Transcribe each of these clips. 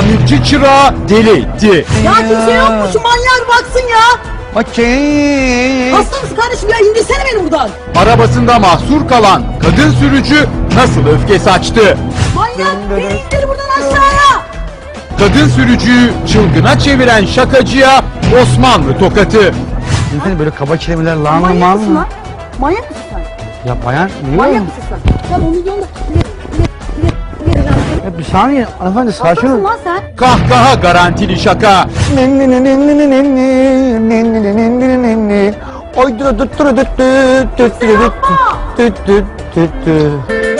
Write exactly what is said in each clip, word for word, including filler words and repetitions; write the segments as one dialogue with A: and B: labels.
A: tamirci çırağı deli etti.
B: Ya kimse yok mu? Şu manyağa baksın ya.
C: Okey.
B: Hasta mısın kardeşim ya? İndirsene beni buradan.
A: Arabasında mahsur kalan kadın sürücü nasıl öfke saçtı?
B: Manyak beni indir buradan aşağıya.
A: Kadın sürücüyü çılgına çeviren şakacıya Osmanlı tokatı.
C: Efendim böyle kaba kelimeler lan
B: Manyak mısın
C: lan.
B: lan? Manyak mısın sen?
C: Ya bayan niye?
B: Manyak mısın sen? Sen o milyonda...
C: Ya bir saniye hanımefendi sakin
B: Haklısın
C: olun.
B: lan sen.
A: Kahkaha garantili şaka.
C: Oy dur dur dur dur dur dur dur dur.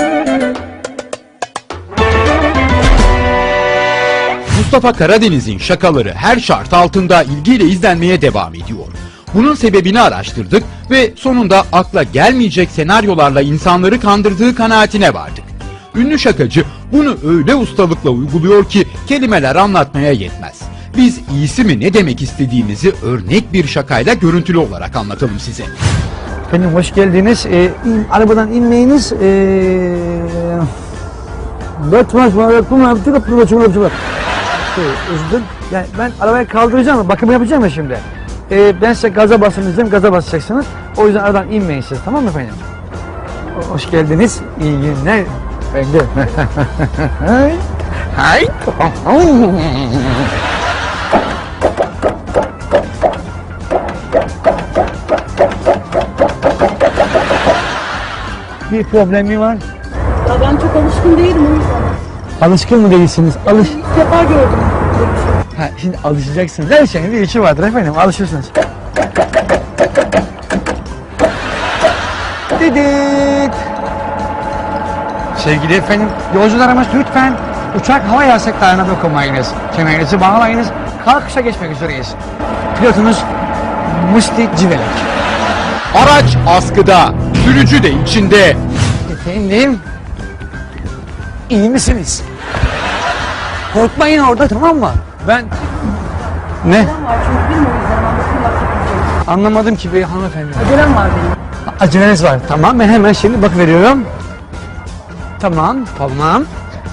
A: Mustafa Karadeniz'in şakaları her şart altında ilgiyle izlenmeye devam ediyor. Bunun sebebini araştırdık ve sonunda akla gelmeyecek senaryolarla insanları kandırdığı kanaatine vardık. Ünlü şakacı bunu öyle ustalıkla uyguluyor ki kelimeler anlatmaya yetmez. Biz iyisi mi ne demek istediğimizi örnek bir şakayla görüntülü olarak anlatalım size.
C: Efendim hoş geldiniz. Ee, in, arabadan inmeyiniz. Ee, Batmaz var, kum yaptı, kapı açılır, açılır. Üzüldüm. Yani ben arabayı kaldıracağım, bakım yapacağım ya şimdi. Ee, ben size gaza basın diyeceğim, gaza basacaksınız. O yüzden aradan inmeyin siz, tamam mı efendim? Hoş geldiniz, iyi günler. Efendim. Hay. Hay. Bir problemi var.
B: Ya ben çok alışkın değilim o yüzden.
C: Alışkın mı değilsiniz? Alış.
B: İlk defa gördüm.
C: Ha, şimdi alışacaksınız. Her şeyin bir işi vardır efendim. Alışırsınız. Didit. Sevgili efendim, yolcularımız lütfen uçak hava yasaklarına dokunmayınız. Kemerinizi bağlayınız. Kalkışa geçmek üzereyiz. Pilotunuz Musti Civelek.
A: Araç askıda, sürücü de içinde.
C: Efendim, iyi misiniz? Korkmayın orada, tamam mı? Ben... Ne?
B: Acelem var çünkü bilmiyorum o yüzden ben bakım yapacağım.
C: Anlamadım ki bey hanımefendi.
B: Acelem var benim.
C: Aceleniz var. Tamam, ben hemen şimdi bak veriyorum. Tamam, tamam.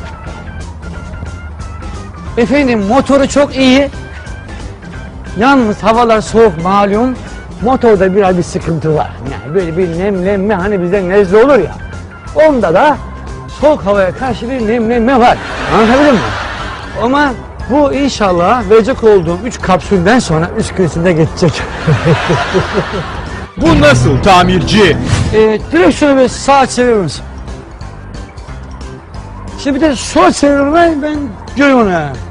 C: Efendim, motoru çok iyi. Yalnız havalar soğuk malum. Motorda biraz bir sıkıntı var. Yani böyle bir nemlenme, hani bizde nezle olur ya. Onda da soğuk havaya karşı bir nemlenme var. Anlatabildim mi? Ama bu inşallah verecek olduğum üç kapsülden sonra üç gün içinde geçecek.
A: Bu nasıl tamirci?
C: Ee, direksiyonu bir sağa çevirir misin? Şimdi bir de sol çevirmeyi ben görüyorum onu yani.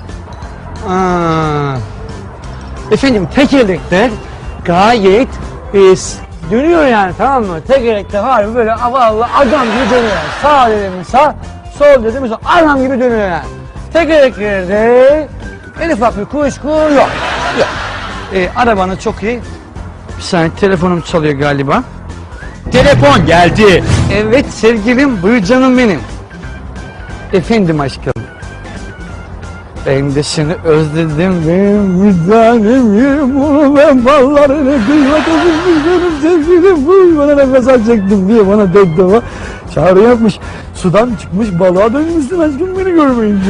C: Aa. Efendim tekerlekler gayet e, dönüyor yani, tamam mı? Tekerlekler harbi böyle havalı adam gibi dönüyor yani. Sağ dedim sağ, sol dedim sol, adam gibi dönüyor yani. Tekerleklerde en ufak bir kuşku yok. Yok. E, arabanı çok iyi. Bir saniye, telefonum çalıyor galiba.
A: Telefon geldi.
C: Evet sevgilim, buyur canım benim. Efendim aşkım. Ben de seni özledim benim bir tanem yerim bunu ben ballarını kıymatasın benim sevgilim. Buyur bana nefes alacaktım diye bana tek defa çağrı yapmış. Sudan çıkmış balığa dönmüşsün aşkım beni görmeyince.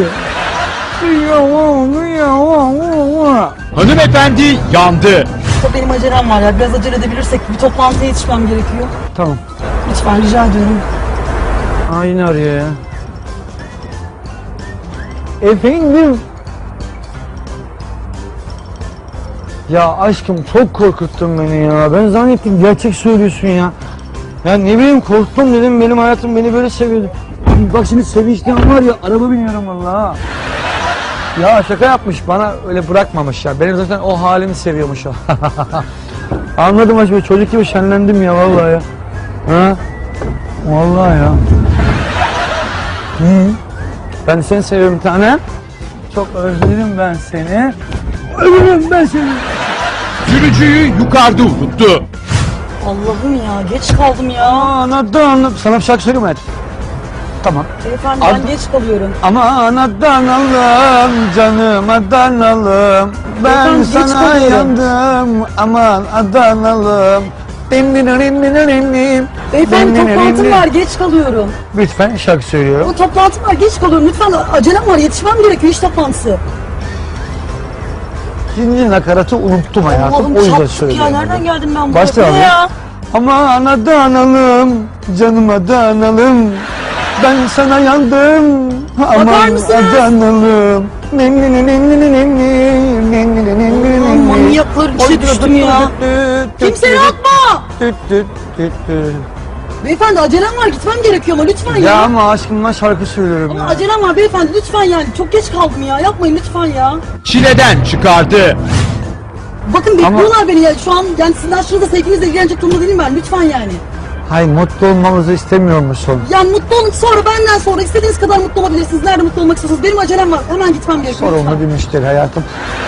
A: Hanımefendi yandı.
B: Benim acelem var ya. Biraz acele edebilirsek bir toplantıya yetişmem gerekiyor.
C: Tamam.
B: Lütfen rica ediyorum.
C: Aa yine arıyor ya. Efendim. Ya aşkım çok korkuttun beni ya. Ben zannettim gerçek söylüyorsun ya. Ya ne bileyim korktum dedim, benim hayatım beni böyle seviyordu. Bak şimdi sevinçten var ya araba biniyorum vallahi. Ya şaka yapmış, bana öyle bırakmamış ya. Benim zaten o halimi seviyormuş o. Anladım aşkım, çocuk gibi şenlendim ya vallahi ya. Ha? Vallahi ya. Hı. Ben seni seviyorum bir tane. Çok özledim ben seni. Özledim ben seni.
A: Sürücüyü yukarıda unuttu.
B: Allah'ım ya geç kaldım ya.
C: Aa, anladım anladım. Sana bir şarkı söyleyeyim mi? Hadi. Tamam.
B: Beyefendi
C: Ad-
B: ben geç kalıyorum.
C: Aman Adanalım canım Adanalım. Ben
B: Efendim, geç
C: sana
B: kalıyorum.
C: yandım. Aman Adanalım.
B: Beyefendi toplantım var, geç kalıyorum.
C: Lütfen şarkı söylüyorum.
B: Bu toplantım var, geç kalıyorum. Lütfen acelem var, yetişmem gerekiyor iş toplantısı.
C: İkinci nakaratı unuttum hayatım.
B: Allah'ım
C: O yüzden
B: çarptık
C: söylüyorum.
B: ya, nereden geldim ben buraya?
C: Başla
B: Bu ne
C: abi.
B: ya?
C: Aman analım, canıma da analım. Ben sana yandım. Aman
B: mısınız?
C: analım.
B: Allah'ım manyaklar içine düştüm ya. Kimse yok mu? Beyefendi acelem var, gitmem gerekiyor ama lütfen ya.
C: Ya ama aşkımla şarkı söylüyorum
B: Ama
C: ya.
B: acelem var beyefendi, lütfen yani. Çok geç kaldım ya, yapmayın lütfen ya.
A: Çileden çıkardı.
B: Bakın bekliyorlar beni ya. Şu an yani sizden şurada sevginizle ilgilenecek durumda değilim ben. Lütfen yani.
C: Hayır, mutlu olmamızı istemiyor musun?
B: Yani mutlu olun, sonra benden sonra istediğiniz kadar mutlu olabilirsiniz. Nerede mutlu olmak istiyorsanız. Benim acelem var. Hemen gitmem gerekiyor.
C: Sorumlu
B: lütfen.
C: bir müşteri hayatım.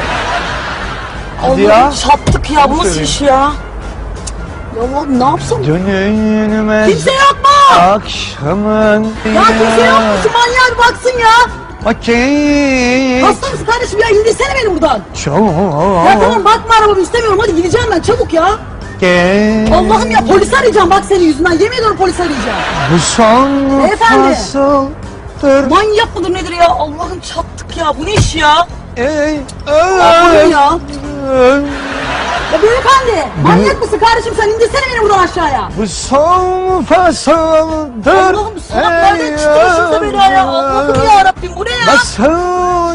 C: Hadi
B: Allah'ım
C: ya.
B: çattık ya. Bu nasıl iş ya? Ya Allah'ım ne yapsam?
C: Dönülmez
B: Kimse yok mu?
C: akşamın.
B: Ya kimse yok mu? Şu manyağa bir baksın ya.
C: Okey.
B: Hasta mısın kardeşim ya? İndirsene beni buradan.
C: Çok.
B: Ya tamam bakma arabamı istemiyorum. Hadi gideceğim ben çabuk ya.
C: Gel.
B: Allah'ım ya polisi arayacağım bak senin yüzünden. Yemin ediyorum polisi arayacağım.
C: Bu son
B: Beyefendi.
C: fasıldır.
B: Manyak mıdır nedir ya? Allah'ım çattık ya. Bu ne iş ya?
C: Ey
B: Allah'ım ya.
C: öl.
B: Ya beyefendi, manyak mısın kardeşim sen indirsene beni buradan aşağıya.
C: Bu son fasıldır.
B: Allah'ım salak nereden çıktı başımıza bela ya. Allah'ım ya Rabbim bu ne ya?
C: Nasıl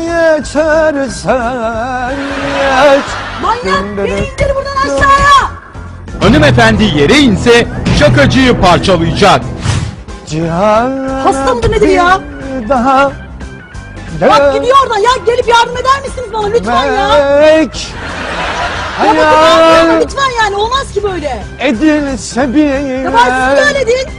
C: geçersen geç.
B: Manyak beni indir buradan aşağıya.
A: Hanımefendi yere inse şakacıyı parçalayacak.
C: Cihan
B: Hasta mıdır nedir ya?
C: bir Daha
B: Bak gidiyor oradan ya, gelip yardım eder misiniz bana lütfen ya?
C: Dönmek
B: Ya bakın ne yapıyorum
C: hayal
B: lütfen yani, olmaz ki böyle.
C: edilse bir
B: Ya bari siz böyle deyin.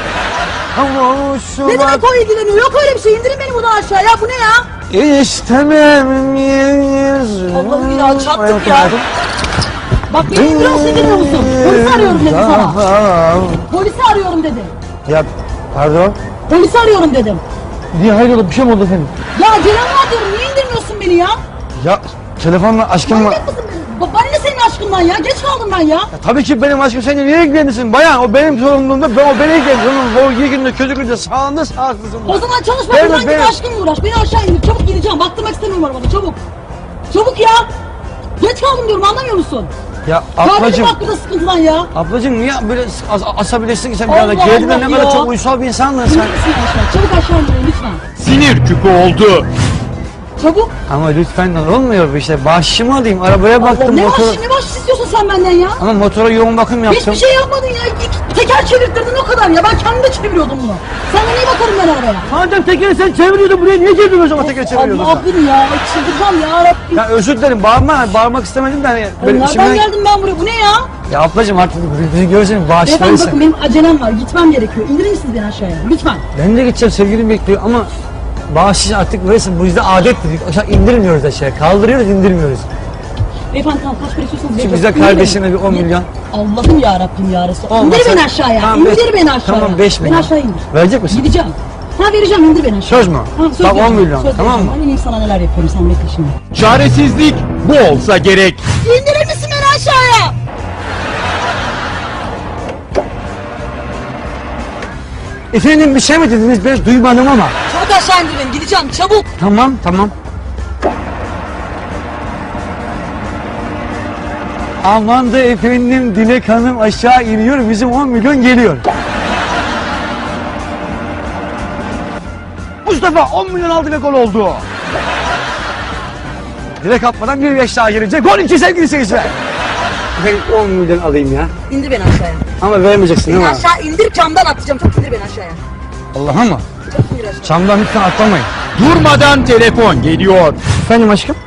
B: Ne
C: kavuşmak
B: demek o ilgileniyor? Yok öyle bir şey, indirin beni buradan aşağıya. Bu ne ya?
C: istemem yüzüm.
B: Allah'ım ya, çattık
C: Hayatım,
B: ya.
C: hayatım.
B: Bak beni indiriyorsun, indirmiyor musun? Polisi arıyorum dedim sana.
C: Daha-
B: Polisi arıyorum dedim.
C: Ya pardon.
B: Polisi arıyorum dedim.
C: Niye hayrola, bir şey mi oldu efendim?
B: Ya acelem var diyorum, niye indirmiyorsun beni ya?
C: Ya telefonla aşkım var.
B: Manyak mısın? Ba- Bana ne senin aşkından ya? Geç kaldım ben ya.
C: Ya tabii ki benim aşkım, seninle niye ilgilenirsin bayan? O benim sorumluluğumda, ben, o beni ilgilenir. Onun o iyi günde kötü günde sağında sağlıklısın.
B: O zaman çalışma,
C: Benim-
B: buradan git
C: benim-
B: aşkınla uğraş. Beni aşağı indir, çabuk gideceğim. Baktırmak istemiyorum arabada, çabuk. Çabuk ya. Geç kaldım diyorum, anlamıyor musun?
C: Ya
B: Kardeşim
C: ablacım,
B: hakkında sıkıntıdan ya.
C: ablacım niye böyle as asabilirsin ki sen bir
B: Allah
C: anda? Gerçekten
B: Allah
C: ne kadar
B: ya.
C: çok uysal bir insandın
B: İndir
C: sen.
B: misin aşağı? Çabuk aşağı indirin lütfen.
A: Sinir küpü oldu.
B: Çabuk.
C: Ama lütfen olmuyor bu işte. Bahşişimi alayım, arabaya
B: Allah,
C: baktım.
B: ne
C: motor...
B: bahşiş, ne bahşiş istiyorsun sen benden ya?
C: Ama motora yoğun bakım yaptım.
B: Hiçbir şey yapmadın ya. İki teker çevirttirdin o kadar ya. Ben kendim de çeviriyordum bunu. Senden iyi bakarım ben arabaya.
C: Madem tekeri sen çeviriyordun, buraya niye girdin o zaman teker çeviriyordun sen?
B: Allah'ım ya. Çıldıracağım ya Rabbim.
C: Ya özür dilerim, bağırma, bağırmak istemedim de hani...
B: Ya
C: böyle
B: nereden
C: içimden-
B: geldim ben buraya? Bu ne ya?
C: Ya ablacım artık bizi görsen
B: Beyefendi
C: bağışlayırsan.
B: bakın benim acelem var. Gitmem gerekiyor. İndirir misiniz beni aşağıya? Lütfen.
C: Ben de gideceğim, sevgilim bekliyor ama... Bağışış artık verirsin, bu bizde adettir. Aşağı indirmiyoruz aşağıya, kaldırıyoruz, indirmiyoruz.
B: Beyefendi tamam, kaç para istiyorsanız
C: Şimdi
B: vereceğim.
C: bize
B: İndir
C: kardeşine
B: beni.
C: bir on milyon.
B: Allah'ım ya Rabbim ya Resul.
C: Olmazsa-
B: İndir beni aşağıya.
C: Tamam,
B: indir
C: beş-
B: beni aşağıya.
C: tamam, beş
B: Beni
C: milyon.
B: aşağı indir.
C: Verecek misin?
B: Gideceğim. Ha vereceğim, indir beni aşağıya.
C: Söz mü?
B: Ha, söz
C: Tamam, on
B: vereceğim,
C: milyon,
B: söz
C: tamam
B: vereceğim.
C: mı?
B: Ben ineyim sana neler yapıyorum, sen bekle şimdi.
A: Çaresizlik bu olsa gerek.
B: İndirir misin beni aşağıya?
C: Efendim bir şey mi dediniz, ben duymadım ama.
B: Çabuk aşağı indir beni, gideceğim çabuk.
C: Tamam, tamam. Aman da efendim, Dilek Hanım aşağı iniyor, bizim on milyon geliyor. Mustafa on milyon aldı ve gol oldu. Dilek atmadan bir beş daha girecek. Gol iki sevgili seyirciler. Efendim on milyon alayım ya.
B: İndir beni aşağıya.
C: Ama vermeyeceksin değil
B: Beni
C: mi?
B: aşağı indir, camdan atacağım. Çok indir beni aşağıya.
C: Allah'a mı?
B: Çok indir aşağıya.
C: Çamdan lütfen atlamayın.
A: Durmadan telefon geliyor.
C: Efendim aşkım?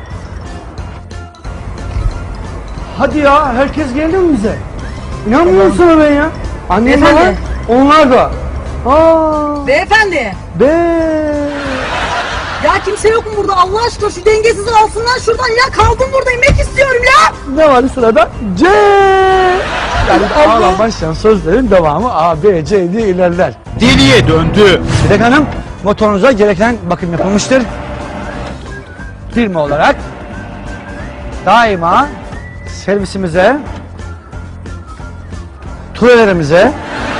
C: Hadi ya, herkes geldi mi bize? İnanmıyorum sana ben ya. Annem var,
B: Efendim?
C: onlar da. Aa,
B: Beyefendi.
C: be.
B: Ya kimse yok mu burada? Allah aşkına şu dengesizi alsınlar şuradan ya. Kaldım burada, inmek istiyorum ya.
C: Ne var sırada? C. Yani ağlam başlayan sözlerin devamı A, B, C diye ilerler.
A: Deliye döndü.
C: Dilek Hanım, motorunuza gereken bakım yapılmıştır. Firma olarak daima servisimize faturalarımıza,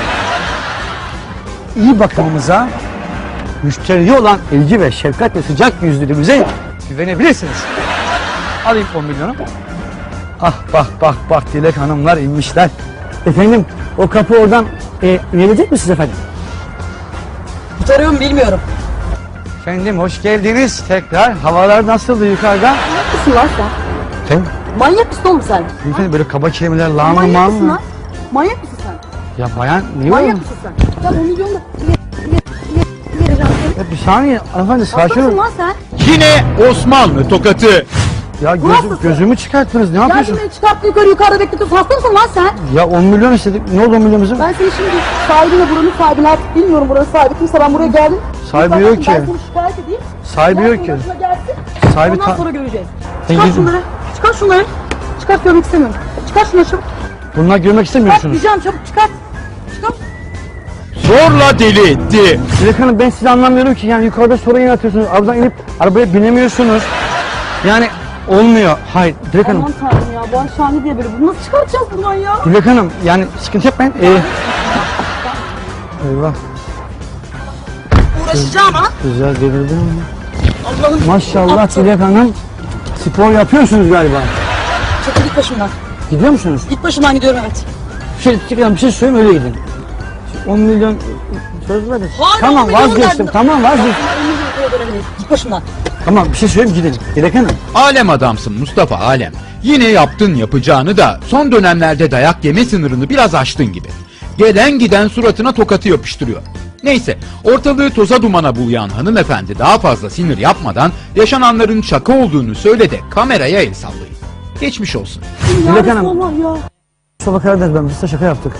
C: iyi bakımımıza, müşteriye olan ilgi ve şefkat ve sıcak yüzlülüğümüze güvenebilirsiniz. Alayım on milyonu. Ah bak bak bak Dilek Hanımlar inmişler. Efendim o kapı oradan e, gelecek misiniz efendim?
B: Tutarıyorum bilmiyorum.
C: Efendim hoş geldiniz tekrar. Havalar nasıldı yukarıda?
B: Manyak mısın lan sen?
C: Efendim?
B: Manyak mısın oğlum sen?
C: Efendim böyle kaba kelimeler lağım
B: Manyak
C: mağım
B: mısın
C: mı?
B: lan? Manyak mısın sen?
C: Ya bayan niye
B: Manyak
C: oğlum?
B: mısın sen? Ya on milyon da ileri, ileri, ileri, ileri vereceğim seni.
C: Ya bir saniye hanımefendi sakin
B: Hasta mısın
C: olun.
B: lan sen?
A: Yine Osmanlı tokatı.
C: Ya gözüm,
B: Nasılsın?
C: gözümü çıkarttınız ne
B: Geldin
C: yapıyorsun?
B: beni çıkarttı yukarı yukarıda bekletiyorsun. Hasta mısın lan sen?
C: Ya on milyon istedik. Ne oldu on milyon bizim?
B: Ben seni şimdi sahibine buranın sahibine artık bilmiyorum buranın sahibi kimse ben buraya geldim.
C: Sahibi
B: Bir
C: yok
B: bakın,
C: ki.
B: Ben seni şikayet edeyim.
C: Sahibi
B: Ondan
C: yok ki.
B: sonra başına gelsin.
C: Sahibi
B: Ondan
C: ta-
B: sonra göreceğiz.
C: Ben
B: Çıkar
C: gidin.
B: şunları. Çıkar şunları. Çıkart görmek istemiyorum. Çıkar şunları çabuk.
C: Bunlar görmek
B: Çıkart
C: istemiyorsunuz.
B: diyeceğim çabuk çıkart. Çıkart.
A: Zorla deli etti.
C: Dilek Hanım ben sizi anlamıyorum ki yani yukarıda sorun yaratıyorsunuz. Arabadan inip arabaya binemiyorsunuz. Yani olmuyor. Hayır Dilek Hanım.
B: Aman tanrım ya bu an şahane diye böyle. Bunu nasıl çıkartacağız buradan ya?
C: Dilek Hanım yani sıkıntı yapmayın. Ee, eyvah.
B: Uğraşacağım ha.
C: Güzel delirdim.
B: Allah'ım.
C: Maşallah
B: Aptal.
C: Dilek Hanım. Spor yapıyorsunuz galiba.
B: Çekil git başımdan.
C: Gidiyor musunuz?
B: Git başımdan gidiyorum evet.
C: Şey, Dilek bir şey söyleyeyim öyle gidin. on milyon söz verin.
B: Hala
C: Tamam
B: on milyon
C: vazgeçtim.
B: verdin.
C: Tamam vazgeçtim.
B: on milyon liraya dönebiliriz. Git başımdan.
C: Tamam bir şey söyleyeyim gidin. Dilek Hanım.
A: Alem adamsın Mustafa Alem. Yine yaptın yapacağını da son dönemlerde dayak yeme sınırını biraz aştın gibi. Gelen giden suratına tokatı yapıştırıyor. Neyse ortalığı toza dumana bulayan hanımefendi daha fazla sinir yapmadan yaşananların şaka olduğunu söyle de kameraya el sallayın. Geçmiş olsun.
B: Ya
C: Dilek Hanım.
B: Resulallah ya.
C: Mustafa Karadeniz ben biz size şaka yaptık.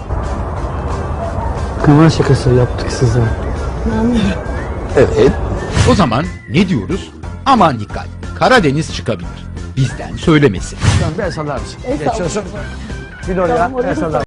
C: Kamera şakası yaptık size.
A: Evet. O zaman ne diyoruz? Aman dikkat. Karadeniz çıkabilir. Bizden söylemesi.
C: Tamam bir el sallar mısın?
B: El salla.
C: Geçiyorsun. Bir oraya
B: Tamam, oraya
C: el sallar.